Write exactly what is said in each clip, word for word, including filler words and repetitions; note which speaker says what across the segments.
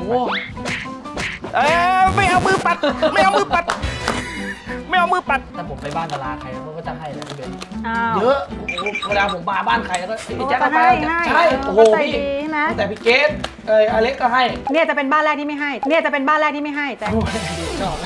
Speaker 1: เอ้ไม่เอามือปัดไม่เอามือปัดไม่เอามือปัดแต่ผมไปบ้านดาราใครเขาก็จะให้นะพี่เบนเยอะเวลาผมมาบ้านใครแล้วก็พี่แจ๊คก็ไปใช่โอ้โหพี่แต่พี่เกสเอออเล็กก็ให้
Speaker 2: เนี่ยจะเป็นบ้านแรกที่ไม่ให้เนี่ยจะเป็นบ้านแรกที่ไม่ให้แต่
Speaker 1: ชอบ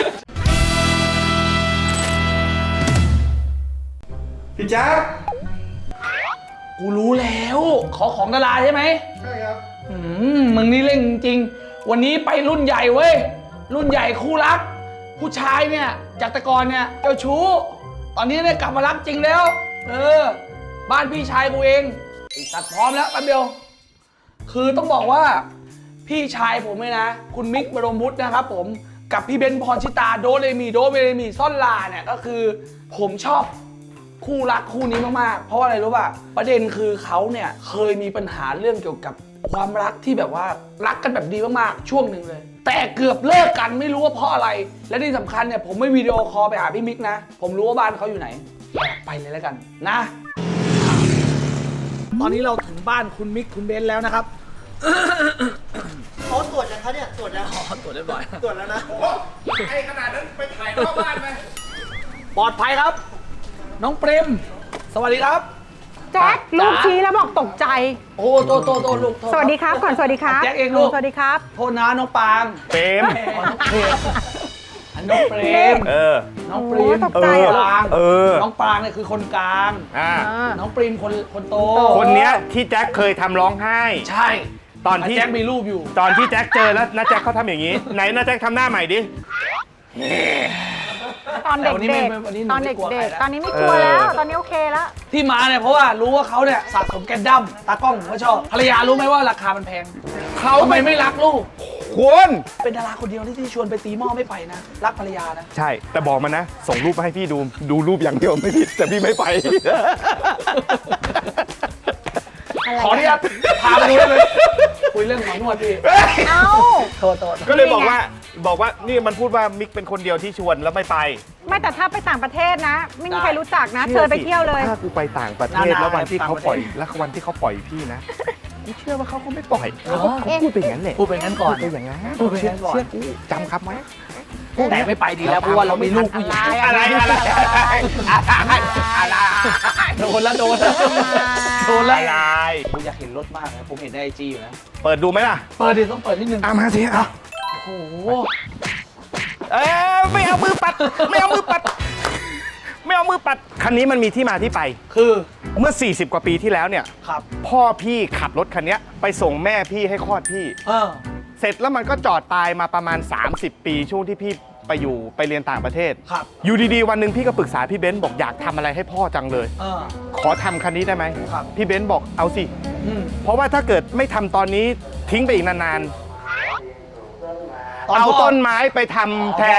Speaker 3: พี่แจ๊ค
Speaker 1: กูรู้แล้วขอของดาราใช่ไหม
Speaker 3: ใช่ครับ
Speaker 1: อืมมึงนี่เร่งจริงวันนี้ไปรุ่นใหญ่เว้ยรุ่นใหญ่คู่รักผู้ชายเนี่ยจากแต่ก่อนเนี่ยเจ้าชู้ตอนนี้เนี่ยกลับมารักจริงแล้วเออบ้านพี่ชายกูเองตัดพร้อมแล้วแป๊บเดียวคือต้องบอกว่าพี่ชายผมเลยนะคุณมิกบรมวุฒินะครับผมกับพี่เบนพรชิตาโดเรมีโดเรมีซ่อนลาเนี่ยก็คือผมชอบคู่รักคู่นี้มากๆเพราะอะไรรู้ป่ะประเด็นคือเขาเนี่ยเคยมีปัญหาเรื่องเกี่ยวกับความรักที่แบบว่ารักกันแบบดีมากๆช่วงหนึ่งเลยแต่เกือบเลิกกันไม่รู้ว่าเพราะอะไรและที่สำคัญเนี่ยผมไม่วิดีโอคอลไปหาพี่มิกนะผมรู้ว่าบ้านเขาอยู่ไหนไปเลยแล้วกันนะตอนนี้เราถึงบ้านคุณมิกคุณเบนแล้วนะครับ
Speaker 3: เขาตรวจยังคะเนี่ยตรวจแล้ว
Speaker 1: อ๋อตรวจเรียบร้อย
Speaker 3: ตรวจแล้วนะ
Speaker 4: ไอ้ขนาดนั้นไปถ่ายนอกบ้านไหม
Speaker 1: ปลอดภัยครับน้องเปรมสวัสดีครับ
Speaker 2: แจ็คลูกชี้แล้วบอกตกใจ
Speaker 1: โอ้โตโตโตลูก
Speaker 2: สวัสดีครับก่อนสวัสดีครับ
Speaker 1: แจ็คเองลูก
Speaker 2: สวัสดีครับ
Speaker 1: โทษนะน้องปาง
Speaker 4: เปรม
Speaker 1: น้องเปรมน้องเปรม
Speaker 4: เออ
Speaker 1: น้องเปรม
Speaker 2: ตกใจเหรอ
Speaker 4: เออ
Speaker 1: น้องปางเนี่ยคือคนกลาง
Speaker 4: อ่า
Speaker 1: น้องปรีมคนคนโต
Speaker 4: คนเนี้ยที่แจ็คเคยทำร้องไห้
Speaker 1: ใช่
Speaker 4: ตอนที่
Speaker 1: แจ็คมีรูปอยู่
Speaker 4: ตอนที่แจ็คเจอแล้วน้าแจ็คเขาทำอย่างนี้ไหนน้าแจ็คทำหน้าใหม่ดิ
Speaker 2: ตอนเด็กๆตอนเด็กๆตอนนี้ไม่กลัวแล้วตอนนี้โอเคแล้ว
Speaker 1: ที่มาเนี่ยเพราะว่ารู้ว่าเขาเนี่ยสะสมแกนดั้มตากล้องผมก็ชอบภรรยารู้ไหมว่าราคามันแพงเขาทำไมไม่รักลูก
Speaker 4: คุณ
Speaker 1: เป็นดาราคนเดียวที่ชวนไปตีหม้อไม่ไปนะรักภรรยานะ
Speaker 4: ใช่แต่บอกมันนะส่งรูปมาให้พี่ดูดูรูปอย่างเดียวไม่ผิดแต่พี่ไม่ไป
Speaker 1: ขออนุญาตพาไปดูได้เลยคุยเรื่องหมอนวดพี่
Speaker 2: เอ้า
Speaker 1: โทษโทษ
Speaker 4: ก็เลยบอกว่าบอกว่านี่มันพูดว่ามิกเป็นคนเดียวที่ชวนแล้วไม่ไป
Speaker 2: ไม่แต่ถ้าไปต่างประเทศนะไม่มีใครรู้จักนะเชิญไปเที่ยวเลย
Speaker 4: ถ้ากูไปต่างประเทศแล้ววันที่เขาปล่อยแล้ววันที่เขาปล่อยพี่นะกูเชื่อว่าเขาคงไม่ปล่อยเขาพูดไปอย่างนั้นแหละ
Speaker 1: พูดไปงั้นก่อน
Speaker 4: พูดไปอย่างนั้น
Speaker 1: พูดไปงั้นก่อน
Speaker 4: เชื่อกูจำครับไหม
Speaker 1: แต่ไม่ไปดีแล้วเพราะว่าเรามีลูกผู้หญิง
Speaker 4: อะไรอะไรอะไร
Speaker 1: โดนแล้วโดนแล้วโดนแล้วอะไรผมอยากเห็นรถมากนะผมเห็นในไอจีอยู่นะ
Speaker 4: เปิดดูไหมล่ะ
Speaker 1: เปิดดิต้องเปิดนิดนึง
Speaker 4: อ่ะมาสิอ่ะ
Speaker 1: โอ้โหเอ้ไม่เอามือปัดไม่เอามือปัดไม่เอามือปัด
Speaker 4: คันนี้มันมีที่มาที่ไป
Speaker 1: คือ
Speaker 4: เมื่อสี่สิบกว่าปีที่แล้วเนี่ย
Speaker 1: ครับ
Speaker 4: พ่อพี่ขับรถคันนี้ไปส่งแม่พี่ให้คลอดพี่
Speaker 1: เออ
Speaker 4: เสร็จแล้วมันก็จอดตายมาประมาณสามสิบปีช่วงที่พี่ไปอยู่ไปเรียนต่างประเทศ
Speaker 1: ครับ
Speaker 4: อยู่ดีๆวันหนึ่งพี่ก็ปรึกษาพี่เบนซ์บอกอยากทำอะไรให้พ่อจังเลย
Speaker 1: เออ
Speaker 4: ขอทำคันนี้ได้ไหม
Speaker 1: ครับ
Speaker 4: พี่เบนซ์บอกเอาสิเพราะว่าถ้าเกิดไม่ทำตอนนี้ทิ้งไปอีกนานๆเอาต้นไม้ไปทำแทน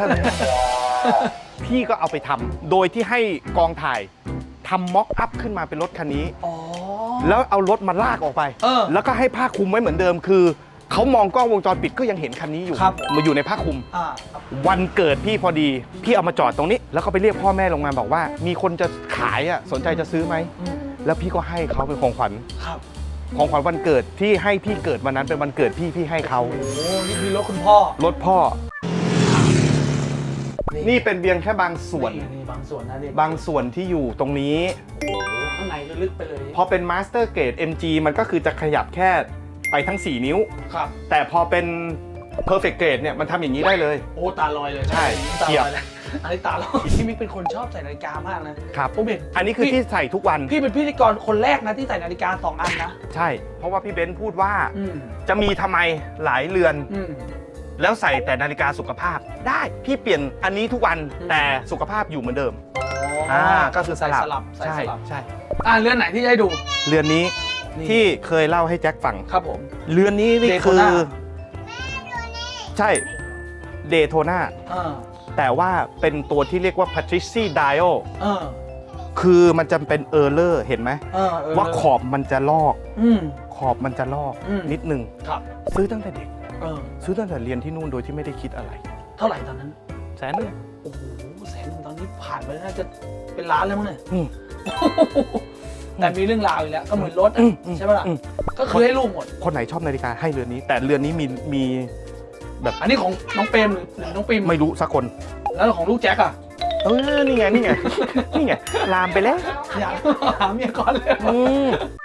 Speaker 4: พี่ก็เอาไปทำโดยที่ให้กองถ่ายทำม็อกอัพขึ้นมาเป็นรถคันนี้แล้วเอารถมาลากออกไปแล้วก็ให้ผ้าคลุมไว้เหมือนเดิมคือเขามองกล้องวงจรปิดก็ยังเห็นคันนี้อยู่มาอยู่ในผ้าคลุมวันเกิดพี่พอดีพี่เอามาจอดตรงนี้แล้วก็ไปเรียกพ่อแม่ลงมาบอกว่ามีคนจะขายอ่ะสนใจจะซื้อไหมแล้วพี่ก็ให้เขาเป็นของขวัญของขวัญวันเกิดที่ให้พี่เกิดวันนั้นเป็นวันเกิดพี่พี่ให้เขา
Speaker 1: โอ้นี่คือรถคุณพ่อ
Speaker 4: รถพ่อนี่เป็นเพียงแค่บางส่วน
Speaker 1: บางส่วนนะนี่
Speaker 4: บางส่วนที่อยู่ตรงนี้
Speaker 1: โอ้ข้างในลึกไปเลย
Speaker 4: พอเป็นมาสเตอร์เกรด เอ็ม จี มันก็คือจะขยับแค่ไปทั้งสี่นิ้ว
Speaker 1: ครับ
Speaker 4: แต่พอเป็น Perfect Grade เนี่ยมันทำอย่างนี้ได้เลย
Speaker 1: โอ้ตาลอยเลย
Speaker 4: ใช่
Speaker 1: เทียบอันนี้ตาลอยพี่มิกเป็นคนชอบใส่นาฬิกามากนะครับผมเห็น
Speaker 4: อันนี้คือที่ใส่ทุกวัน
Speaker 1: พี่เป็นพิธีกรคนแรกนะที่ใส่นาฬิกาสองอันนะ
Speaker 4: ใช่เพราะว่าพี่เบนซ์พูดว่าจะมีทำไมหลายเรือนแล้วใส่แต่นาฬิกาสุขภาพได้พี่เปลี่ยนอันนี้ทุกวันแต่สุขภาพอยู่เหมือนเดิม
Speaker 1: อ่าก็คือสลับใช่ใช่อ่าเรือนไหนที่ให้ดู
Speaker 4: เรือนนี้ที่เคยเล่าให้แจ็คฟัง
Speaker 1: ครับผม
Speaker 4: เรือนนี้นี่คือใช่เดโทนาแต่ว่าเป็นตัวที่เรียกว่า Patrici Dial คือมันจะเป็นเออร์เลอร์เห็นไหมว่าขอบมันจะลอกขอบมันจะลอกนิดนึงซื้อตั้งแต่เด็กซื้อตั้งแต่เรียนที่นู่นโดยที่ไม่ได้คิดอะไร
Speaker 1: เท่าไหร่ตอนนั้น
Speaker 4: แสนนึง
Speaker 1: โอ้โหแสนนึงตอนนี้ผ่านไปน่าจะเป็นล้านแล้วมั้งเนี่ยแต่มีเรื่องราวอีกแล้วก็เหมือนรถใช่ไหมล่ะก็คือให้ลูกหมด
Speaker 4: คนไหนชอบนาฬิกาให้เรือนนี้ แต่เรือนนี้มีมีแบบ
Speaker 1: อันนี้ของน้องเปรมหรือหรือน้องปิม
Speaker 4: ไม่รู้สักคน
Speaker 1: แล้วของลูกแจ็คอะ
Speaker 4: เออนี่ไงนี่ไงนี่ไงลามไปแล้ว
Speaker 1: อยากหาเมียก่อนเลย
Speaker 4: อืม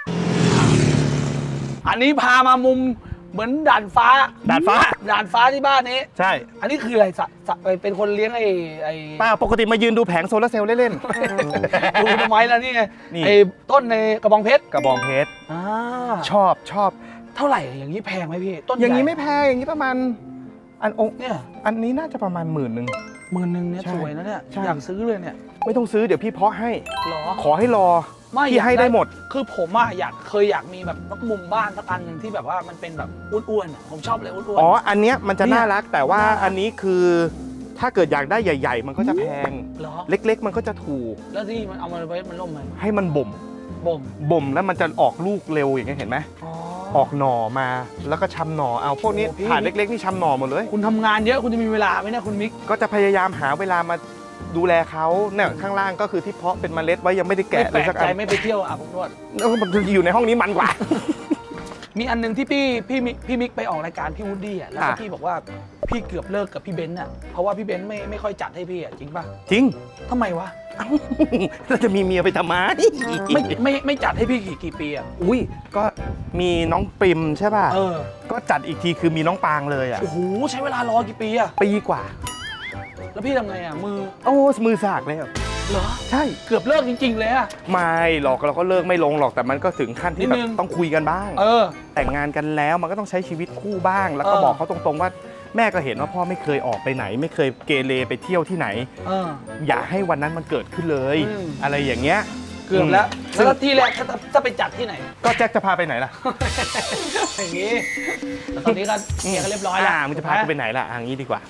Speaker 1: อันนี้พามามุมเหมือนด่านฟ้า
Speaker 4: ดาดฟ้า
Speaker 1: ด่านฟ้าที่บ้านนี้
Speaker 4: ใช่
Speaker 1: อันนี้คืออะไรสะสะเป็นคนเลี้ยงไอ้ไอ้
Speaker 4: ป้าปกติมายืนดูแผงโซลาร์เซลล์เล่น
Speaker 1: ดูทำไมล่ะนี่ไง
Speaker 4: นี่
Speaker 1: ไอ้ต้นในกระบองเพชร
Speaker 4: ๆกระบองเพชร
Speaker 1: อ่า
Speaker 4: ชอบชอบ
Speaker 1: เท่าไหร่อย่างนี้แพงไหมพี่ต้น
Speaker 4: อย่างนี้
Speaker 1: ใหญ่
Speaker 4: ไม่แพงอย่างนี้ประมาณอันองค์
Speaker 1: เนี่ย
Speaker 4: อันนี้น่าจะประมาณหมื่นหนึ่ง
Speaker 1: หมื่นหนึ่งเนี่ย
Speaker 4: ใช่
Speaker 1: สวยนะเนี่ย
Speaker 4: ใช่
Speaker 1: อยากซื้อเลยเนี่ย
Speaker 4: ไม่ต้องซื้อเดี๋ยวพี่เพาะให้
Speaker 1: หรอ
Speaker 4: ขอให้รอ
Speaker 1: ไม่
Speaker 4: พี่ให้ได้หมด
Speaker 1: คือผมอะอยากเคยอยากมีแบบนักมุมบ้านสักอันหนึ่งที่แบบว่ามันเป็นแบบอ้วนๆอะผมชอบเลยอ้วนๆ
Speaker 4: อ๋อ อันเนี้ยมันจะ
Speaker 1: เนี่ย
Speaker 4: น่ารักแต่ว่า
Speaker 1: น่ารัก
Speaker 4: อันนี้คือถ้าเกิดอยากได้ใหญ่ ๆ มันก็จะแพง
Speaker 1: เหรอ
Speaker 4: เล็ก ๆ มันก็จะถูก
Speaker 1: แล้วที่มันเอามาไว้มันล่มไหม
Speaker 4: ให้มันบ่ม
Speaker 1: บ่ม
Speaker 4: บ่มแล้วมันจะออกลูกเร็วอย่างเงี้ยเห็นไหม
Speaker 1: อ๋อ
Speaker 4: ออกหน่อมาแล้วก็ชำหน่อเอาพวกนี้
Speaker 1: โอ้พี่
Speaker 4: ถาดเล็กๆนี่ชำหน่อหมดเลย
Speaker 1: คุณทำงานเยอะคุณจะมีเวลาไหมเนี่ยคุณมิก
Speaker 4: ก็จะพยายามหาเวลามาดูแลเขาเนี่ยข้างล่างก็คือที่เพาะเป็นเมล็ดไว้ยังไม่ได้
Speaker 1: ไม่
Speaker 4: แกะ
Speaker 1: แป
Speaker 4: เล
Speaker 1: ล
Speaker 4: ย
Speaker 1: ก
Speaker 4: สัก
Speaker 1: ใจ
Speaker 4: อัน
Speaker 1: ไม่ไปเที่ยวอาบอบนวด
Speaker 4: แล้วมันอยู่ในห้องนี้มันกว่า
Speaker 1: มีอันหนึงที่พี่พี่มิกพี่มิกไปออกรายการพี่วูดดี้อ่ะแล้วก็
Speaker 4: อ่ะ
Speaker 1: พี่บอกว่าพี่เกือบเลิกกับพี่เบนซ์อ่ะเพราะว่าพี่เบนซ์ไม่ไม่ค่อยจัดให้พี่อ่ะจริงป่ะ
Speaker 4: จริง
Speaker 1: ทำไมวะ
Speaker 4: เราจะมีเมียไปทำไม
Speaker 1: ไม่ไม่ไม่จัดให้พี่กี่กี่ปีอ่ะ
Speaker 4: อุ้ยก็มีน้องปริมใช่ป่ะ
Speaker 1: เออ
Speaker 4: ก็จัดอีกทีคือมีน้องปางเลยอ่ะ
Speaker 1: โอ้โหใช้เวลารอกี่ปีอ่ะ
Speaker 4: ปีกว่า
Speaker 1: แล้วพี่ทำไงอ่ะมือ
Speaker 4: โอ้มือสากเลยอะ
Speaker 1: เหรอ
Speaker 4: ใช่
Speaker 1: เกือบเลิกจริง ๆ เลยอ่ะ
Speaker 4: ไม่หรอกเราก็เลิกไม่ลงหรอกแต่มันก็ถึงขั้นที่แบ
Speaker 1: นิดนึ
Speaker 4: บ
Speaker 1: ง
Speaker 4: ต้องคุยกันบ้าง
Speaker 1: เออ
Speaker 4: แต่งงานกันแล้วมันก็ต้องใช้ชีวิตคู่บ้าง แล้วก็
Speaker 1: เออ
Speaker 4: บอกเขาตรงๆว่าแม่ก็เห็นว่าพ่อไม่เคยออกไปไหน ไม่เคยเกเรไปเที่ยวที่ไหน
Speaker 1: เออ
Speaker 4: อย่าให้วันนั้นมันเกิดขึ้นเลย
Speaker 1: อืม
Speaker 4: อะไรอย่างเงี้ย
Speaker 1: เกือบแล้ว
Speaker 4: ซึ่ง
Speaker 1: แล้วที่แรกถ้าถ้าไปจัดที่ไหน
Speaker 4: ก็แจ็คจะพาไปไหนล่ะ
Speaker 1: อย่างงี้แต่ตอนนี้ก็เคลียร์กันเรียบร้อยแล้ว
Speaker 4: อ่ามึงจะพากูไปไหนล่ะอ่างี้ดีกว่า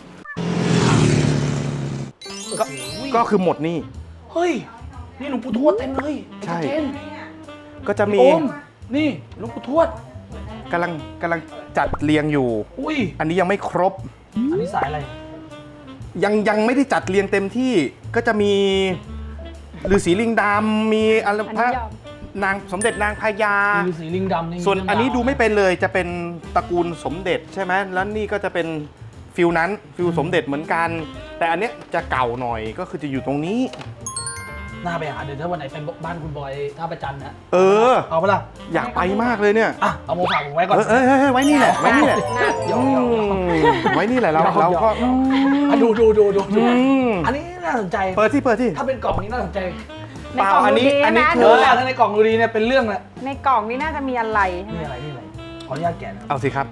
Speaker 1: ก็
Speaker 4: ก็คือหมดหนี่
Speaker 1: เฮ้ย นี่หลวงปู่ทวดเต็มเลย
Speaker 4: ใช่
Speaker 1: ไอ้เจน
Speaker 4: ก็จะมี
Speaker 1: โอมนี่หลวงปู่ทวด
Speaker 4: กำลังกำลังจัดเรียงอยู่
Speaker 1: อุ้ย
Speaker 4: อันนี้ยังไม่ครบ
Speaker 1: อันนี้สายอะไร
Speaker 4: ยังยังไม่ได้จัดเรียงเต็มที่ก็จะมีฤาษีลิงดำมีอะไร
Speaker 2: อัน
Speaker 4: พระ
Speaker 2: นี้ยอม
Speaker 4: นางสมเด็จนางพญา
Speaker 1: มีฤาษีลิงดำนี่
Speaker 4: ส่วน
Speaker 1: มีเรื่ง
Speaker 4: อันนี้
Speaker 1: ราว
Speaker 4: ดูไม่เป็นเลยจะเป็นตระกูลสมเด็จใช่ไหมแล้วนี่ก็จะเป็นฟิลนั้นฟิลสมเด็จเหมือนกัน แต่อันเนี้ยจะเก่าหน่อยก็คือจะอยู่ตรงนี้
Speaker 1: น่าไปหาเดี๋ยวถ้าวันไหนเป็นบ้านคุณบอยท่าประจันนะ
Speaker 4: เออ
Speaker 1: เอาปะล่ะ
Speaker 4: อยากไปมากเลยเนี่ย
Speaker 1: อ่ะเอาโมฝากผมไว้ก่อน
Speaker 4: เออเออเออไว้นี่แหละไว้นี่แหละ
Speaker 1: หยอกหยอกหยอก
Speaker 4: อืมไว้นี่แหละเรา
Speaker 1: หยอก
Speaker 4: เราก็
Speaker 1: หยอก อ่ะดูดูดูดูดู
Speaker 4: อืม
Speaker 1: อันนี้น่าสนใจ
Speaker 4: เปิดที่เปิดที่
Speaker 1: ถ้าเป็นกล่องนี้น่าสนใจ
Speaker 2: ในกล่อง
Speaker 4: เปล่าอัน
Speaker 2: ดู
Speaker 4: นี้
Speaker 2: ดี
Speaker 4: อันนี้
Speaker 2: นะ
Speaker 4: คื
Speaker 1: เอ
Speaker 2: ดู
Speaker 1: อถ้าในกล่องดูดีเนี่ยเป็นเรื่องแหละ
Speaker 2: ในกล่องนี่น่าจะมีอะไรใช่ไหม
Speaker 1: นี่อะไรนี่อะไรขออนุญาตแกะนะ
Speaker 4: เอาสิครับ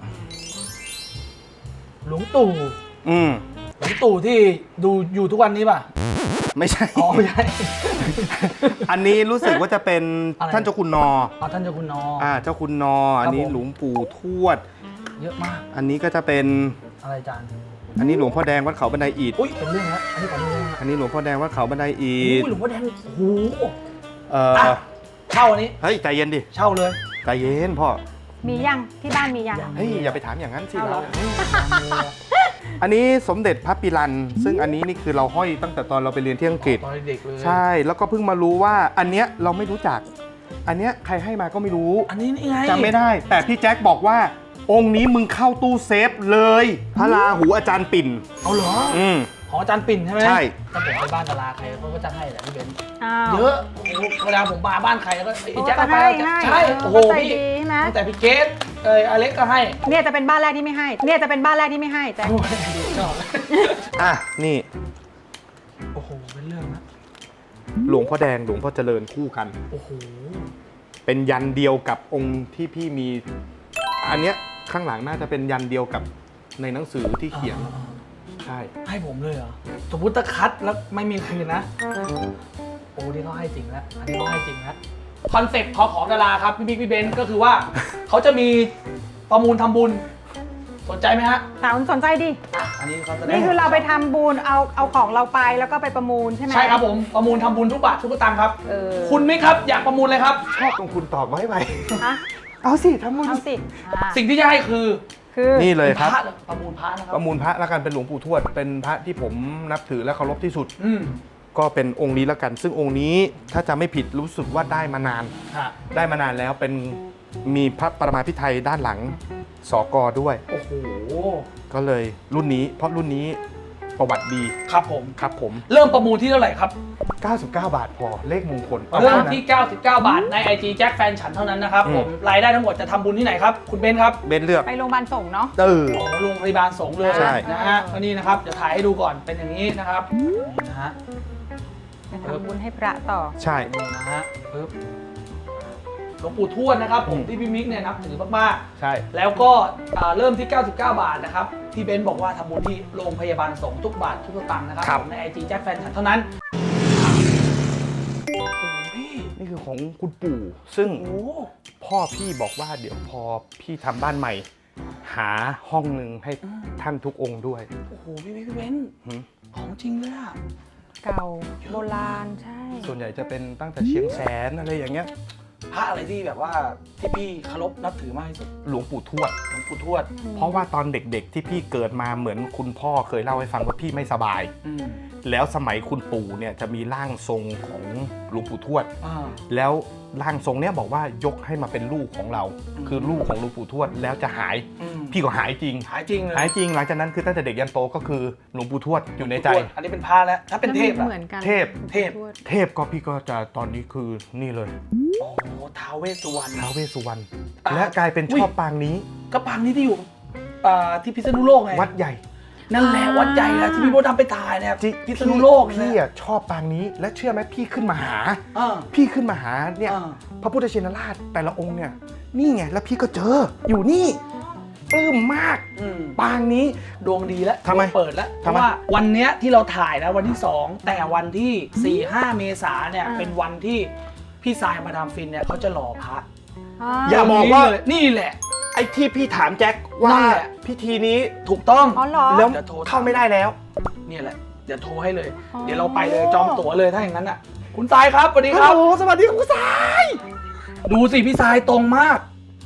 Speaker 1: หลวงตู่
Speaker 4: อืม
Speaker 1: หลวงตู่ที่ดูอยู่ทุกวันนี้ป่ะ
Speaker 4: ไม่ใช่
Speaker 1: อ๋อไม่ใช่
Speaker 4: อันนี้รู้สึกว่าจะเป็น
Speaker 1: อะไร
Speaker 4: ท่านเจ้าคุณนอ
Speaker 1: อ๋อท่านเจ้าคุณนอ
Speaker 4: อ่าเจ้าคุณนอ อันนี้
Speaker 1: ผม
Speaker 4: หลวงปู่ทวด
Speaker 1: เยอะมาก
Speaker 4: อันนี้ก็จะเป็น
Speaker 1: อะไรอาจารย์
Speaker 4: อันนี้หลวงพ่อแดงวัดเขาบันไดอิฐ
Speaker 1: อุ้ยเป็นเรื่องแล้วอันนี้ก่อนเลย
Speaker 4: อันนี้หลวงพ่อแดงวัดเขาบันไดอิ
Speaker 1: อุ้
Speaker 4: ฐ
Speaker 1: ยหลวงพ่อแดงโอ้โห
Speaker 4: เออ
Speaker 1: อ่ะเช่าอันนี้
Speaker 4: เฮ้ยใจเย็นดิ
Speaker 1: เช่าเลย
Speaker 4: ใจเย็นพ่อ
Speaker 2: มียังที่บ้านมียัง
Speaker 1: ยัง
Speaker 4: เฮ้ยอย่าไปถามอย่างนั้นสิ
Speaker 2: เอาเหร
Speaker 4: เรา
Speaker 2: อ
Speaker 4: อันนี้สมเด็จพระปิรัน ซึ่งอันนี้นี่คือเราห้อยตั้งแต่ตอนเราไปเรียนที่อังกฤษ
Speaker 1: ตอนเด็กเลย
Speaker 4: ใช่แล้วก็เพิ่งมารู้ว่าอันเนี้ยเราไม่รู้จัก อันเนี้ยใครให้มาก็ไม่รู้
Speaker 1: อันนี้นี่ไง
Speaker 4: จำไม่ได้ แต่พี่แจ็คบอกว่า องค์นี้มึงเข้าตู้เซฟเลย พระราหูอาจารย์ปิ่น
Speaker 1: เอาเหรอ
Speaker 4: อืม
Speaker 1: ของอาจารย์ปิ่นใช่ไหม
Speaker 4: ใช่
Speaker 1: ถ้าผมไปบ้านตลาดใครเขาก็จะให้แหละพี่เบนซ์
Speaker 2: อ้าว
Speaker 1: เยอะโอ้โหเวลาผมมาบ้านใครแล้วก็ไอ้
Speaker 2: โอ้
Speaker 1: แจ็คก็ไป
Speaker 2: ให้
Speaker 1: เอา
Speaker 2: ให้
Speaker 1: ใช่
Speaker 2: เออ
Speaker 1: โอ้โห
Speaker 2: เข้าใจ
Speaker 1: พี่
Speaker 2: ดีใช่ไหม
Speaker 1: ตั้งแต่พี่เกสเอออเล็กก็ให้
Speaker 2: เนี่ยจะเป็นบ้านแรกที่ไม่ให้ เนี่ยจะเป็นบ้านแรกที่ไม่ให้แต่
Speaker 1: โอ้ยชอบ
Speaker 4: อ่ะนี่
Speaker 1: โอ้โหเป็นเรื่องนะ
Speaker 4: หลวงพ่อแดงหลวงพ่อเจริญคู่กัน
Speaker 1: โอ้โห
Speaker 4: เป็นยันเดียวกับองค์ที่พี่มี อันเนี้ยข้างหลังน่าจะเป็นยันเดียวกับในหนังสือที่เขียน ใช่
Speaker 1: ให้ผมเลยเหรอสมมติถ้าคัดแล้วไม่มีคืนนะโอ้นี่เขาให้จริงแล้วอันนี้เขาให้จริงแล้วคอนเซ็ปต์ของของดาราครับพี่บิ๊กพี่เบนซ์ก็คือว่าเขาจะมีประมูลทำบุญสนใจไหมฮะ
Speaker 2: ถามสนใจดิ
Speaker 1: อ่ะอันนี้เขาแสดง
Speaker 2: นี่คือเราไปทำบุญเอาเอาของเราไปแล้วก็ไปประมูลใช่ไหม
Speaker 1: ใช่ครับผมประมูลทำบุญทุกบาททุกสตางค์ครับ
Speaker 2: เออ
Speaker 1: คุณไหมครับอยากประมูลเลยครับ
Speaker 4: ชอบตรงคุณตอบไว้ไป
Speaker 2: ฮะ
Speaker 4: เอาสิทำบุญ
Speaker 2: เอาสิอ่า
Speaker 1: สิ่งที่จะให้คือ
Speaker 2: คือ
Speaker 4: นี่เลยครับ
Speaker 1: พะหอประมูลพระนะครั
Speaker 4: ประมูลพระแล้วกันเป็นหลวงปู่ทวด เป็นพระที่ผมนับถือและเคารพที่สุด
Speaker 1: อืม
Speaker 4: ก็เป็นองค์นี้แล้วกัน ซึ่งองค์นี้ถ้าจะไม่ผิดรู้สึกว่าได้มานาน
Speaker 1: ฮะ
Speaker 4: ได้มานานแล้วเป็นมีพระประมาพิไทยด้านหลังสกด้วย
Speaker 1: โอ้โห
Speaker 4: ก็เลยรุ่นนี้เพราะรุ่นนี้ประวัติดี
Speaker 1: ครับผม
Speaker 4: ครับผม
Speaker 1: เริ่มประมูลที่เท่าไหร่ครับ
Speaker 4: เก้าสิบเก้า บาทพอเลขมงคล
Speaker 1: เริ่มที่ เก้าสิบเก้า บาทใน ไอ จี แจ็คแฟนฉันเท่านั้นนะครับผมรายได้ทั้งหมดจะทำบุญที่ไหนครับคุณเบนซ์ครับ
Speaker 4: เบนเลือก
Speaker 2: ไปโรงพยาบาลส่งเนาะ
Speaker 4: เออ
Speaker 1: โอ้โรงพยาบาลสงฆ์เลย
Speaker 4: ใช่
Speaker 1: นะฮะก็นี่นะครับเดี๋ยวถ่ายให้ดูก่อนเป็นอย่างนี้นะครับนะฮะ
Speaker 2: ไปทำบุญให้พระต่อ
Speaker 4: ใช่
Speaker 1: นี่นะฮะปึ๊บหลวงปู่ทวดนะครับผมที่พี่มิกเนี่ยนับถือมาก
Speaker 4: ใช่
Speaker 1: ๆแล้วก็อ่าเริ่มที่ เก้าสิบเก้า บาทนะครับที่เบนซ์บอกว่าทำบุญที่โรงพยาบาลสงฆ์ทุกบาททุกสตางค์นะครับผมใน ไอ จี แจ็คแฟนฉันเท่านั้นโอ้โหพี่
Speaker 4: นี่คือของคุณปู่ซึ่ง
Speaker 1: โอ้โห
Speaker 4: พ่อพี่บอกว่าเดี๋ยวพอพี่ทำบ้านใหม่ หาห้องหนึ่งให้ท่านทุกองค์ด้วย
Speaker 1: โอ้โหพี่มิกพี่เบนซ์
Speaker 4: หืม
Speaker 1: ของจริงเลยอะ
Speaker 2: เก่าโบราณใช่
Speaker 4: ส่วนใหญ่จะเป็นตั้งแต่เชียงแสนอะไรอย่างเงี้ย
Speaker 1: พระอะไรที่แบบว่าที่พี่เคารพนับถือมากที่สุด
Speaker 4: หลวงปู่ทวด
Speaker 1: หลวงปู่ทวด
Speaker 4: เพราะว่าตอนเด็กๆที่พี่เกิดมาเหมือนคุณพ่อเคยเล่าให้ฟังว่าพี่ไม่สบาย
Speaker 1: อืม
Speaker 4: แล้วสมัยคุณปู่เนี่ยจะมีร่างทรงของหลวงปู่ทวด
Speaker 1: อ่า
Speaker 4: แล้วร่างทรงเนี้ยบอกว่ายกให้มาเป็นลูกของเรา
Speaker 1: อืม
Speaker 4: คือลูกของหลวงปู่ทวดแล้วจะหาย
Speaker 1: อืม
Speaker 4: พี่ก็หายจริง
Speaker 1: หายจริงเลย
Speaker 4: หายจริงหลังจากนั้นคือตั้งแต่เด็กยันโตก็คือหลวงปู่ทวดอยู่ในใจ
Speaker 1: ทวดอันนี้เป็นพระแล้วถ้าเป็นเทพอะ
Speaker 2: เหมือนกัน
Speaker 4: เทพ
Speaker 1: เทพ
Speaker 2: ทวด
Speaker 4: เทพก็พี่ก็จะตอนนี้คือนี่เลย
Speaker 1: โอ้โหท้าวเวสสุวรรณ
Speaker 4: ท้าวเวสสุวรรณ
Speaker 1: อ่า
Speaker 4: และกลายเป็น
Speaker 1: อุ๊ย
Speaker 4: ชอบปางนี้
Speaker 1: ก็ปางนี้ที่อยู่อ่าที่พิษณุโลกไง
Speaker 4: วัดใหญ่
Speaker 1: นั่นแหละวัดใหญ่แล้วที่พี่โบทำไปถ่ายเนี่ย
Speaker 4: จิ
Speaker 1: พิษณุโลก
Speaker 4: พี่
Speaker 1: เนี่ย
Speaker 4: อะชอบปางนี้และเชื่อไหมพี่ขึ้นมาหา
Speaker 1: อ่า
Speaker 4: พี่ขึ้นมาหาเนี่ย
Speaker 1: อ่า
Speaker 4: พระพุทธชินราชแต่ละองค์เนี่ยนี่ไงแล้วพี่ก็เจออยู่นี่ปลื้มมาก
Speaker 1: อืม
Speaker 4: ปางนี้
Speaker 1: ดวงดีแล้ว
Speaker 4: ทำไม
Speaker 1: ดวงเปิดแล้วเพ
Speaker 4: ทำไม
Speaker 1: ราะว่าวันเนี้ยที่เราถ่ายนะวันที่สองแต่วันที่สี่ห้าเมษาเนี่ย
Speaker 2: อ่า
Speaker 1: เป็นวันที่พี่สายมาดามฟินเนี่ยเขาจะหล่อพระ
Speaker 2: อ่า
Speaker 4: อย่าบอกว่า
Speaker 1: เลยนี่แหละ
Speaker 4: ไอ้ที่พี่ถามแจ็คว่า
Speaker 1: นั่นแหละ
Speaker 4: พิธีนี้
Speaker 1: ถูกต้อง
Speaker 2: อ๋อเหรอ
Speaker 4: แล้ว
Speaker 1: เดี๋ยวโทร
Speaker 4: เข้าไม่ได้แล้ว
Speaker 1: เนี่ยแหละเดี๋ยวโทรให้เลย
Speaker 2: อ๋อ
Speaker 1: เดี๋ยวเราไปเลยจองตั๋วเลยถ้าอย่างนั้นอ่ะคุณทรายครับสวัสดีครับ
Speaker 4: ฮัลโหลสวัสดีคุณสาย
Speaker 1: ดูสิพี่ทรายตรงมาก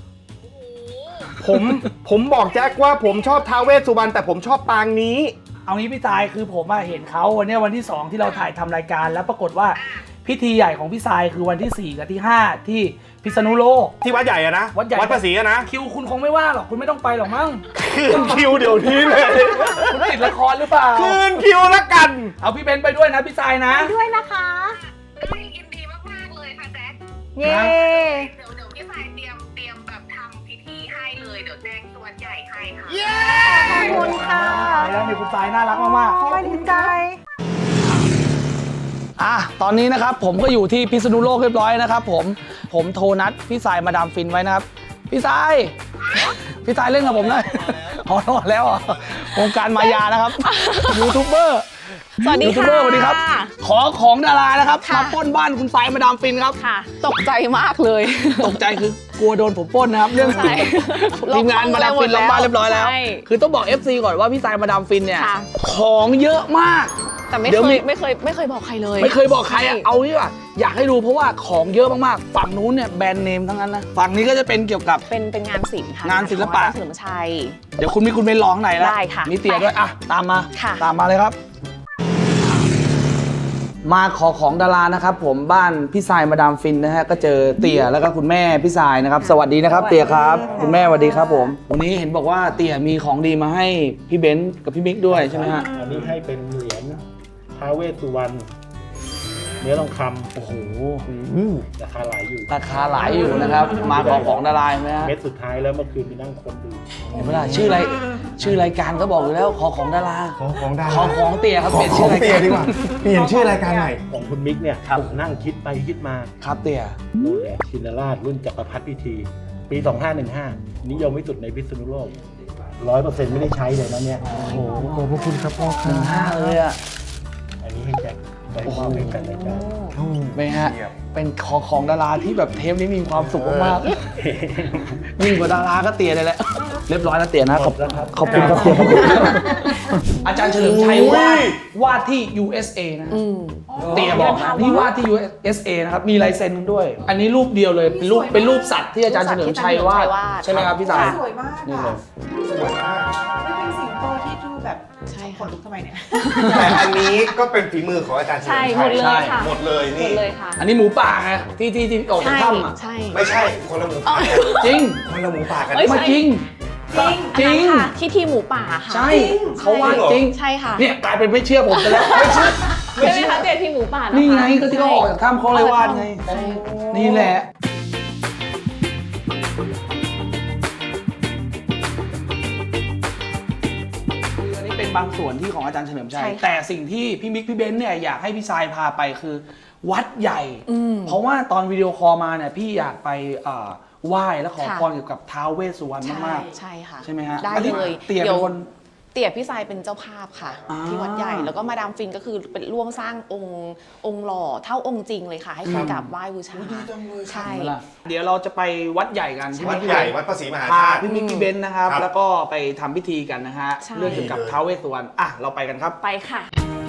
Speaker 4: ผมผมบอกแจ็คว่าผมชอบท้าวเวสสุวรรณแต่ผมชอบปางนี้
Speaker 1: เอางี้พี่ทรายคือผมอะเห็นเขาวันเนี้ยวันที่สองที่เราถ่ายทำรายการแล้วปรากฏว่าพิธีใหญ่ของพี่ทรายคือวันที่สี่กับที่ห้าที่พิษณุโลก
Speaker 4: ที่วัดใหญ่อะนะ
Speaker 1: วัดใหญ่
Speaker 4: วัดภาษีอะนะ
Speaker 1: คิวคุณคงไม่ว่างหรอกคุณไม่ต้องไปหรอกมั้ง
Speaker 4: คืนคิวเดี๋ยวนี้เลย
Speaker 1: คุณติดละครหรือเปล่า
Speaker 4: คืนคิวละกัน
Speaker 1: เอาพี่เบนซ์ไปด้วยนะพี่ทรายนะ
Speaker 2: ไปด้วยนะคะ
Speaker 5: ได้ยินดีมากๆเลยค่ะแจ๊ค
Speaker 2: เย้
Speaker 5: เดี๋ยวเดี๋ยวพี่สายเตรียมเตรียมแบบทำพิธีให้เลย เดี๋ยวแจ้งส่วนใหญ่ให้ค่ะ
Speaker 2: ขอบคุณค่ะ
Speaker 1: ไปแล้วนี่คุณทรายน่ารักมากๆ
Speaker 2: สวัสดีใจ
Speaker 1: อ่ะตอนนี้นะครับผมก็อยู่ที่พิษณุโลกเรียบร้อยนะครับผมผมโทรนัดพี่สายมาดามฟินไว้นะครับพี่สายพี่สายเล่นกับผมหน่อยอ๋อรอดแล้วเหรอวงการมายานะครับยูทูบเบอร์
Speaker 6: สวัสดี
Speaker 1: ยูทูบ
Speaker 6: ค่ะ
Speaker 1: เบอร์สวัสดีครับ ขอของดารานะครับ
Speaker 6: ค่ะ
Speaker 1: มาปล้นบ้านคุณสายมาดามฟินครับ
Speaker 6: ค่ะ ตกใจมากเลย
Speaker 1: ตกใจคือกลัวโดนผมปล้นนะครับเรื่อง
Speaker 6: ใช่
Speaker 1: ทีมงานมาดามฟินล็อกบ้านเรียบร้อยแล้ว
Speaker 6: ใช่
Speaker 1: คือต้องบอก เอฟ ซี ก่อนว่าพี่สายมาดามฟินเนี่ย
Speaker 6: ค่ะ
Speaker 1: ของเยอะมาก
Speaker 6: แต่ไม่
Speaker 1: เดี๋ยว
Speaker 6: เค
Speaker 1: มี
Speaker 6: ยไม่เคยไม่เคยบอกใครเลย
Speaker 1: ไม่เคยบอกใครอะเอานี่ว่ะอยากให้ดูเพราะว่าของเยอะมากๆ ฝั่งนู้นเนี่ยแบรนด์เนมทั้งนั้นนะ ฝั่งนี้ก็จะเป็นเกี่ยวกับ
Speaker 6: เป็นเป็นงานศิลป์ค่ะ
Speaker 1: งานศิลปะ
Speaker 6: ของอาจารย์เฉลิมชัย
Speaker 1: เดี๋ยวคุณมีคุณไปร้องไหนแล้ว
Speaker 6: ได้ค่ะ
Speaker 1: มีเตี๋ยด้วย อ่ะ ตามมา
Speaker 6: ค่ะ
Speaker 1: ตามมาเลยครับ มาขอของดารานะครับผมบ้านพี่สายมาดามฟินนะฮะก็เจอเตี๋ยแล้วก็คุณแม่พี่สายนะครับ สวัสดีนะครับ เตี๋ยครับ คุณแม่สวัสดีครับผมวันนี้เห็นบอกว่าเตี๋ยมีของดีมาให้พี่เบนซ์กับพี่มิกด้วยใช่ไหมฮะ
Speaker 3: อันนี้ให้เป็นเหรียญท้าวเวสสุวรรณเนื้อทองค
Speaker 1: โอ้โห
Speaker 3: ำราคาหลายอยู่
Speaker 1: ราคาหลายอยู่นะครับ มาขอของดาราใช่ไหมฮะ
Speaker 3: เม็ดสุดท้ายแล้วเมื่อคืนไปนั่งคนดู
Speaker 1: เห็นไหมล่ะชื่ออะไรชื่อรายการก็บอกอยู่แล้วขอของดารา
Speaker 4: ขอของดารา
Speaker 1: ขอของเตี๋ยครับ
Speaker 4: ขอ
Speaker 1: เปลี่ยน
Speaker 4: ข
Speaker 1: ชื่
Speaker 4: อ
Speaker 1: อง ราย
Speaker 4: เตี
Speaker 1: กาย ร
Speaker 4: ดีกว่าเปลี่ยนชื่อรายการใหม่
Speaker 3: ของคุณมิกเนี่ย
Speaker 1: ครับ
Speaker 3: ผมนั่งคิดไปคิดมา
Speaker 1: ครับเตี๋ย
Speaker 3: โน่นแหละชินราชรุ่นจักรพรรดิพิธี ปี สองห้าหนึ่งห้า นิยมที่สุดในพิษณุโลกร้อยเปอร์เซ็นต์ไม่ได้ใช้เลยนะเนี่ย
Speaker 1: โอ้โห
Speaker 4: ขอบพระคุณครับพ่อค
Speaker 1: หนึ่งห้าเลยอ่ะ
Speaker 3: อันนี้ให้แจ็คไปมอบให้กันรายการ
Speaker 1: เป็นไงฮะเป็นของของดาราที่แบบเทปนี้มีความสุขมากๆยิ่งกว่าดาราก็เตี๋ยเลยแหละเรียบร้อยแล้วเตี๋ยนะขอบขอบคุณครับเตี๋ยขอบคุณอาจารย์เฉลิมชัยวาดวาดที่ ยู เอส เอ นะ
Speaker 6: อืม
Speaker 1: เตี๋ยบอกนะนี่วาดที่ ยู เอส เอ นะครับมีลายเซ็นด้วย อันนี้รูปเดียวเลยเป็นรูปเป็นรูปสัตว์ที่อาจารย์เฉลิมชัยวาดใช่ไหมครับพี่สาย
Speaker 7: สวยมาก
Speaker 1: นี่
Speaker 7: ค่ะ
Speaker 1: เลย
Speaker 7: สวยมากไม่เป็นสิ่งโปรที่ดูแบบ
Speaker 6: ใช่
Speaker 7: ข
Speaker 6: ค่ะ
Speaker 7: นลุกทำไมเนี่ย
Speaker 4: แต่อันนี้ก็เป็นฝีมือของอาจารย์เฉลิ
Speaker 6: ใช่
Speaker 4: ม
Speaker 6: หม
Speaker 4: ชั
Speaker 6: ด
Speaker 4: ย
Speaker 6: เลยค่ะ
Speaker 4: หมดเลย
Speaker 6: หม
Speaker 4: นี่
Speaker 6: ดเลยค่ะ
Speaker 1: อันนี้หมูป่าไงที่ที่ที่ออกจาก
Speaker 6: ใช่
Speaker 1: ถ้ำอ่ะ
Speaker 6: ใช่
Speaker 4: ไม่ใช่คนละหมูป่ากัน
Speaker 1: จริง
Speaker 4: คนละหมูป่ากัน
Speaker 6: เอ้ย
Speaker 1: มาจริง
Speaker 6: จริง
Speaker 1: จริง
Speaker 6: อันนั้นค่ะที่ทีมหมูป่าค่ะ
Speaker 1: ใช่เขาว่าจริง
Speaker 6: ใช่ค่ะ
Speaker 1: เนี่ยกลายเป็นไม่เชื่อผมไปแล้วไม่เชื่อไม่
Speaker 6: ใช่ไหม
Speaker 1: เชื่อ
Speaker 6: คะเจทีมหมูป่านะคะ
Speaker 1: นี่ไงก็ที่เขาออกจากถ้ำเขาเลยว่าไง
Speaker 6: ใช่
Speaker 1: นี่แหละอันนี้เป็นบางส่วนที่ของอาจารย์เฉลิมชัย
Speaker 6: ใช่ค่ะ
Speaker 1: แต่สิ่งที่พี่มิกพี่เบนซ์เนี่ยอยากให้พี่ทรายพาไปคือ วัดใหญ่
Speaker 6: อืม
Speaker 1: เพราะว่าตอนวิดีโอคอลมาเนี่ยพี่อยากไปเอ่อไหว้และขอ
Speaker 6: ค่ะ
Speaker 1: พรเกี่ยวกับท้าวเวสสุวรรณมาก
Speaker 6: ใช่ค่ะ
Speaker 1: ๆ ใช่ไหมฮะ
Speaker 6: ได้
Speaker 1: อันนี้
Speaker 6: เลย
Speaker 1: เตี่ยเป็นคน
Speaker 6: เตี๋ยพี่ทรายเป็นเจ้าภาพค่ะ
Speaker 1: อ่า
Speaker 6: ที่วัดใหญ่แล้วก็มาดามฟินก็คือเป็นร่วมสร้างองค์องค์หล่อเท่าองค์จริงเลยค่ะ ให้คนกราบไหว้บูชาใช่
Speaker 1: เห็นไหมล่ะเดี๋ยวเราจะไปวัดใหญ่กัน
Speaker 4: วัดใหญ่วัดพระศรีมหา
Speaker 1: พา
Speaker 4: ธาตุ
Speaker 1: พี่มิกพี่เบนซ์นะครับ
Speaker 4: ครับ
Speaker 1: แล้วก็ไปทำพิธีกันนะฮะ
Speaker 6: ใช่
Speaker 1: เรื่องเกี่ยวกับท้าวเวสสุวรรณอ่ะเราไปกันครับ
Speaker 6: ไปค่ะ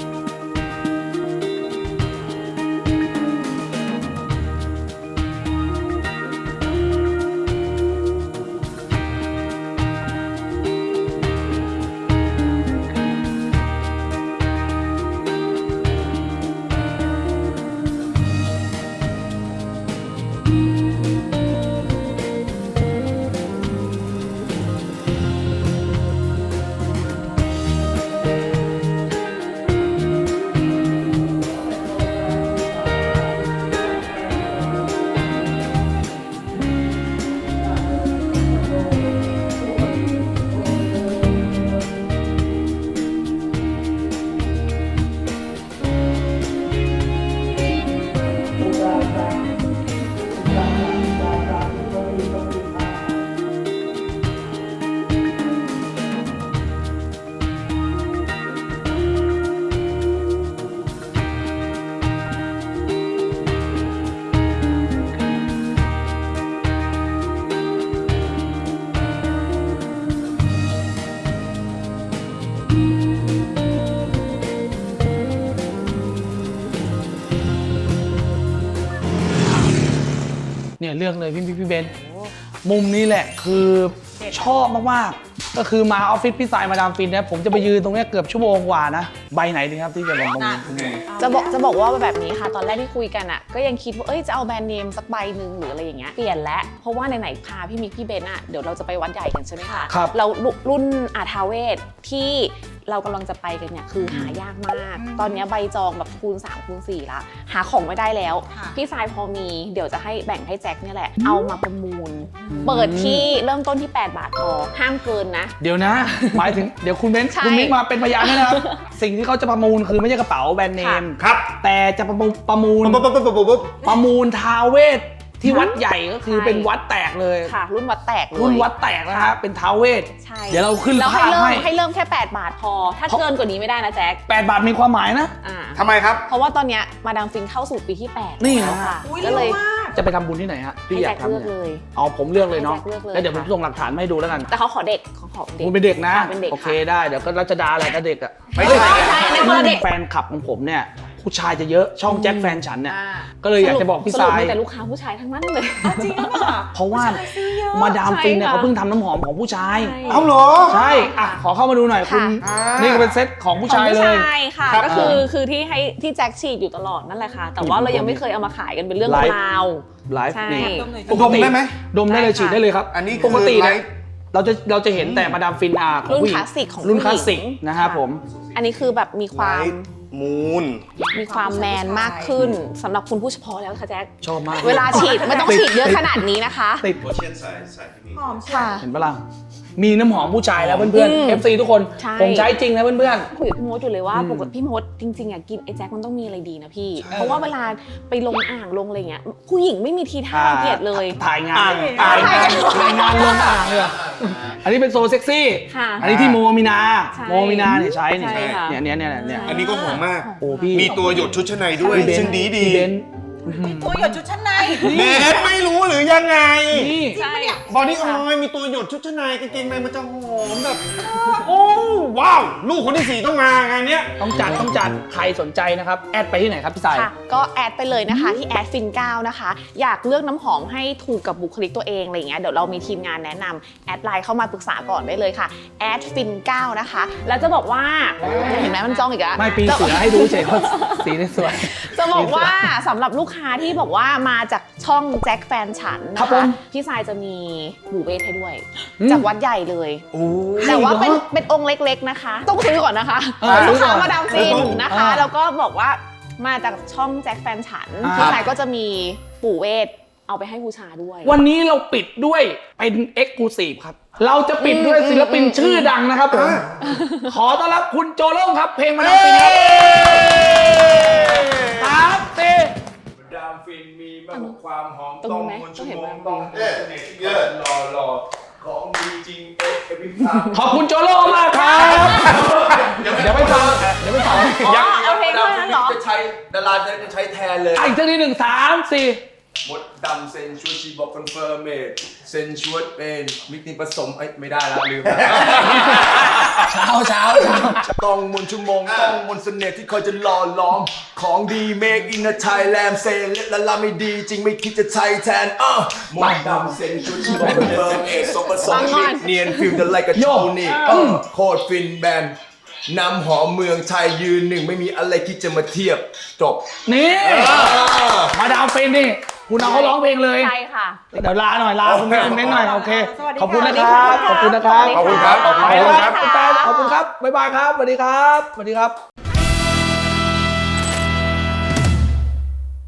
Speaker 1: เนี่ยเลือกเลยพี่มิกพี่เบนซ์มุมนี้แหละคือชอบมากๆก็คือมาออฟฟิศพี่ทรายมาดามฟินเนี่ยผมจะไปยืนตรงเนี้ยเกือบชั่วโมงกว่านะใบไหนดีครับที่จะลงตรงนี้
Speaker 6: จะบอกจะบอกว่าแบบนี้ค่ะ ตอนแรกที่คุยกันอ่ะก็ยังคิดว่าเอ้ยจะเอาแบรนด์เนมสักใบหนึ่งหรืออะไรอย่างเงี้ยเปลี่ยนแล้วเพราะว่าไหนๆพาพี่มิกพี่เบนอ่ะเดี๋ยวเราจะไปวัดใหญ่กันใช่ไหมคะ
Speaker 1: ครับ
Speaker 6: เรารุ่นอาทาเวศที่เรากำลังจะไปกันเนี่ยคือหายากมาก ตอนเนี้ยใบจองแบบคูณสามคูณสี่ละหาของไม่ได้แล้ว
Speaker 7: ค่ะ
Speaker 6: พี่ทรายพอมีเดี๋ยวจะให้แบ่งให้แจ็คเนี่ยแหละเอามาประมูล เปิดที่เริ่มต้นที่แปดบาทพอห้ามเกินนะ
Speaker 1: เดี๋ยวนะ หมายถึงเดี๋ยวคุณเบนซ์
Speaker 6: ใช่
Speaker 1: คุณมิกมาเป็นพยานด้วยนะครับ สิ่งที่เขาจะประมูลคือไม่ใช่กระเป๋าแบรนด์เนม
Speaker 4: ครับ
Speaker 1: แต่จะประมูลประมูล
Speaker 4: ปุ๊บปุ๊บปุ๊บปุ๊บปุ๊บ
Speaker 1: ประมูลท้าวเวสที่วัดใหญ่ก็คือ
Speaker 6: ใช่
Speaker 1: เป็นวัดแตกเลย
Speaker 6: ค่ะ รุ่นวัดแตกเลย
Speaker 1: รุ่นวัดแตกนะฮะเป็นท้าวเวส
Speaker 6: ใช่
Speaker 1: เดี๋ยวเราขึ้น
Speaker 6: แล้ว
Speaker 1: ภา
Speaker 6: ให้
Speaker 1: พ
Speaker 6: เริ่ม
Speaker 1: ให้
Speaker 6: ให้เริ่มแค่แปดบาทพอ ถ้า
Speaker 1: เพราะ
Speaker 6: เกินกว่านี้ไม่ได้นะแจ็ค
Speaker 1: แปดบาทมีความหมายนะ
Speaker 6: อ่า
Speaker 4: ทำไมครับ
Speaker 6: เพราะว่าตอนเนี้ยมาดามฟินเข้าสู่ปีที่แปด
Speaker 1: นี่
Speaker 6: แล้ว
Speaker 1: นะ
Speaker 6: ค่ะ
Speaker 7: อุ้ย
Speaker 6: ก็
Speaker 7: เร็
Speaker 6: เล
Speaker 7: วย มาก
Speaker 1: จะไปทำบุญที่ไหนฮะ
Speaker 6: ให้
Speaker 1: พี่อยา
Speaker 6: แจ็
Speaker 1: ก
Speaker 6: ค
Speaker 1: ทำ
Speaker 6: เลือก
Speaker 1: เนี่ย
Speaker 6: เลย
Speaker 1: เอาผมเลือกเลยเนาะ
Speaker 6: ให้แจ็คเลือกเลย
Speaker 1: แล้วเดี๋ยวผม
Speaker 6: ค่ะ
Speaker 1: ส่งหลักฐานมาให้ดูแล้วกัน
Speaker 6: แต่เขาขอเด็กเขาขอเด็ก
Speaker 1: คุณเป็นเด็กนะ
Speaker 6: เป็นเด็ก
Speaker 1: โอเค
Speaker 6: ค่ะ
Speaker 1: ได้เดี๋ยวก็รัชดาแหละก็เด็กอะ
Speaker 4: ไม่ใช่
Speaker 6: ไม่ใช่ในคนละเด็ก
Speaker 1: แฟนคลับของผมเนี่ยผู้ชายจะเยอะช่องแจ็คแฟนฉันเนี่ย
Speaker 6: อ่า
Speaker 1: ก็เลยอยากจะบอกพี่
Speaker 6: สรุ
Speaker 1: ท
Speaker 6: ป
Speaker 1: ราย
Speaker 6: มีแต่ลูกค้าผู้ชายทั้งนั้นเลย
Speaker 7: จริงหรือเปล่า
Speaker 1: เพราะว่า
Speaker 7: ซื้อเยอะ
Speaker 1: มาดามฟินเนี่ย
Speaker 6: ใช่ค่ะ
Speaker 1: เขาเพิ่งทำน้ำหอมของผู้ชาย
Speaker 6: ใช่
Speaker 4: เอาเหรอ
Speaker 1: ใช่อ่ะขอเข้ามาดูหน่อยคุณ
Speaker 6: ค่ะ
Speaker 1: นี่ก็เป็นเซ็ตของผู้
Speaker 6: ของ
Speaker 1: ชาย
Speaker 6: ผู้
Speaker 1: เลย
Speaker 6: ชายค่ะ
Speaker 1: ครับ
Speaker 6: ก็คือ
Speaker 1: อ่า
Speaker 6: คือที่ให้ที่แจ็คฉีดอยู่ตลอดนั่นแหละค่ะ แต่ว่า
Speaker 1: อืม
Speaker 6: เรายังไม่เคยเอามาขายกันเป็นเรื่อง
Speaker 1: ไลฟ์
Speaker 6: ราว
Speaker 1: ไลฟ์
Speaker 6: ใช่
Speaker 1: นี่
Speaker 7: ดมหน่อย
Speaker 1: ปกติ
Speaker 4: ดมได้ไหม
Speaker 1: ดมได้เลย
Speaker 6: ได้ค่ะ
Speaker 1: ฉีดได้เลยครับ
Speaker 4: อันนี้คือ
Speaker 1: ปกติ
Speaker 4: ไล
Speaker 1: เนี่ย
Speaker 4: ฟ์
Speaker 1: เราจะเราจะเห็นแต่มาดามฟินอาของ
Speaker 6: รุ่น
Speaker 1: ผู้หญิ
Speaker 6: ค
Speaker 1: ง
Speaker 6: ลาสสิกของ
Speaker 1: รุ่น
Speaker 6: ผู้
Speaker 1: ค
Speaker 6: ห
Speaker 1: ลา
Speaker 6: ญิ
Speaker 1: ส
Speaker 6: ง
Speaker 1: สิกนะครับผม
Speaker 6: อันนี้คือแบบมีความ
Speaker 4: ไลฟ์มูน
Speaker 6: มีความแมนมากขึ้นสำหรับคุณผู้เฉพาะแล้วค่ะแจ็ค
Speaker 1: ชอบมาก
Speaker 6: เวลาฉีดไม่ต้องฉีดเยอะขนาดนี้นะคะ
Speaker 1: ติด
Speaker 8: โอเชียนสายสายที่มี
Speaker 7: หอมใช่
Speaker 6: ค่ะ
Speaker 1: เห็นปะล่ะมีน้ำหอมผู้ชายแล้วเพื่อน
Speaker 6: อืม
Speaker 1: ๆ เอฟ ซี ทุกคน
Speaker 6: ใช่
Speaker 1: ผมใช้จริงนะเพื่อน
Speaker 6: คุยกับพี่มดอยู่เลยว่า
Speaker 1: อืม
Speaker 6: ปกติพี่มดจริงๆอ่ะกินไอ้แจ็คมันต้องมีอะไรดีนะพี่ เพราะว่าเวลาไปลงอ่างลงอะไรเงี้ยผู้หญิงไม่มีที
Speaker 1: ๆ
Speaker 6: ท่าเกลียดเลย
Speaker 1: ถ่ายงาน
Speaker 4: อ่าง
Speaker 1: ถ่าย
Speaker 6: ถ่าย
Speaker 1: งานถ่ายงานลงอ่างเลยอะอันนี้เป็นโซเซ็กซี่
Speaker 6: ค่ะ
Speaker 1: อันนี้ที่โมมีนา
Speaker 6: ใช่
Speaker 1: โมมีนาเนี่ยใช้เนี่ย
Speaker 6: ใช่ค่ะ
Speaker 1: เนี่ยเนี่ยเนี่ยเนี่ย
Speaker 4: อันนี้ก็หอมมาก
Speaker 1: โอ้พี่
Speaker 4: มีตัวหยดชุดชั้นในด้วย
Speaker 1: พี่เบนซ์
Speaker 4: ซึ่งดีดี
Speaker 1: พี่เบนซ์
Speaker 7: มีตัวหยดชุดชั้นใน
Speaker 4: เนทไม่รู้หรือยังไง
Speaker 1: นี่
Speaker 6: ใช่
Speaker 4: บอดี้ออยล์มีตัวหยดชุดชั้นในกางเกงในมันจะหอมแบบ โอ้ว้าว ลูกคนที่สี่ต้องมางานเนี้ย
Speaker 1: ต้องจัดต้องจัดใครสนใจนะครับแอดไปที่ไหนครับพี่สาย
Speaker 6: ค่ะก็แอดไปเลยนะคะที่แอดฟินเก้านะคะ อยากเลือกน้ำหอมให้ถูกกับบุคลิกตัวเองอะไรอย่างเงี้ยเดี๋ยวเรามีทีมงานแนะนำแอดไลน์เข้ามาปรึกษาก่อนได้เลยค่ะแอดฟินเก้านะคะแล้วจะบอกว่าเห็นไหมมันจ้องอีกแล้ว
Speaker 1: ไม่ปีเสือให้ดูเฉยว่าสีนี่สวย
Speaker 6: จะบอกว่าสำหรับลูกค้าที่บอกว่ามาจากช่องแจ็คแฟนฉัน
Speaker 1: ครั
Speaker 6: นะ
Speaker 1: บผ
Speaker 6: คะ
Speaker 1: ม
Speaker 6: พี่สายจะมีบูเบสให้ด้วย
Speaker 1: อืม
Speaker 6: จากวัดใหญ่เลย
Speaker 1: โอ้
Speaker 6: แต่ว่าเป็น
Speaker 1: หรอ
Speaker 6: เป็นองค์เล็กๆนะคะ ต้องซื้อก่อนนะคะ
Speaker 1: เออ
Speaker 6: ลูกค้า
Speaker 1: ซื้อก่อน
Speaker 6: มาดามฟินนะคะ
Speaker 1: อ่า
Speaker 6: แล้วก็บอกว่ามาจากช่องแจ็คแฟนฉัน
Speaker 1: อ่า
Speaker 6: พี่สายก็จะมีปู่เวทเอาไปให้บูชาด้วย
Speaker 1: วันนี้เราปิดด้วยเป็นเอ็กซ์คลูซีฟครับ เราจะปิดด้วยศิลปินชื่อดังนะครับผมขอต้อนรับคุณโจโล่งครับ เพลงมาดามฟินครับสามสี่
Speaker 8: ดามฟินมีมากกว่าความหอม
Speaker 6: ตรง
Speaker 8: ต้อง
Speaker 6: ไหม
Speaker 8: มน
Speaker 6: ต้
Speaker 8: ชั่
Speaker 6: อง
Speaker 8: ว
Speaker 6: เห็น
Speaker 8: โม
Speaker 6: ไหม
Speaker 8: งต้องเอ๊ะเยอะรอรอของดีจริงเอ๊ะเอพิพาม
Speaker 1: ขอบคุณโจโล่มากครับ เดี๋ยวไปฟังเดี๋ยวไปฟัง
Speaker 6: อ๋อเอาเพลงเท่านั้นเหรอ
Speaker 8: จะใช้ดาราจะใช้แทนเลย
Speaker 1: อ่ะอีกทีหนึ่งสามสี่
Speaker 8: มดดำเซนชวดชีบอกคอนเฟิร์มเมดเซนชวดเป็นมิกนิผสมเอ้ยไม่ได้แล้วลืมแล้ว
Speaker 1: เช้าเช้าเช้า
Speaker 8: ต้องมนชั่วโมงต้องมนเสน่ห์ที่คอยจะหล่อล้อมของดีเมคอินไทยแลนด์เซนและละไม่ดีจริงไม่คิดจะใช้แทนเออมดดำเซนชวดชีบอกคอนเฟิร์มเมดสมผสมมิกเนียนฟิลเดอร์ไลกับโชนี่เออโคตรฟินแบนน้ำหอมเมืองไทยยืนหนึ่งไม่มีอะไรที่จะมาเทียบจบ
Speaker 1: นี่มาดามฟินนี่คุณเอาเขาร้องเพลงเลย
Speaker 6: ใช่ค่ะ
Speaker 1: เดี๋ยวลาหน่อยลาคุณแม่คุณเน้นหน่อยโอเค
Speaker 7: สวัสดี
Speaker 1: ขอบคุณนะค
Speaker 7: ค่ะ
Speaker 1: รับขอบคุณนะครับ
Speaker 6: ขอบคุณครับ
Speaker 1: ขอบคุณครับ
Speaker 6: ขอบคุณ
Speaker 1: แฟน
Speaker 6: ครับ
Speaker 1: ขอบคุณครับบ๊ายบายครับสวัสดีครับสวัสดีครับ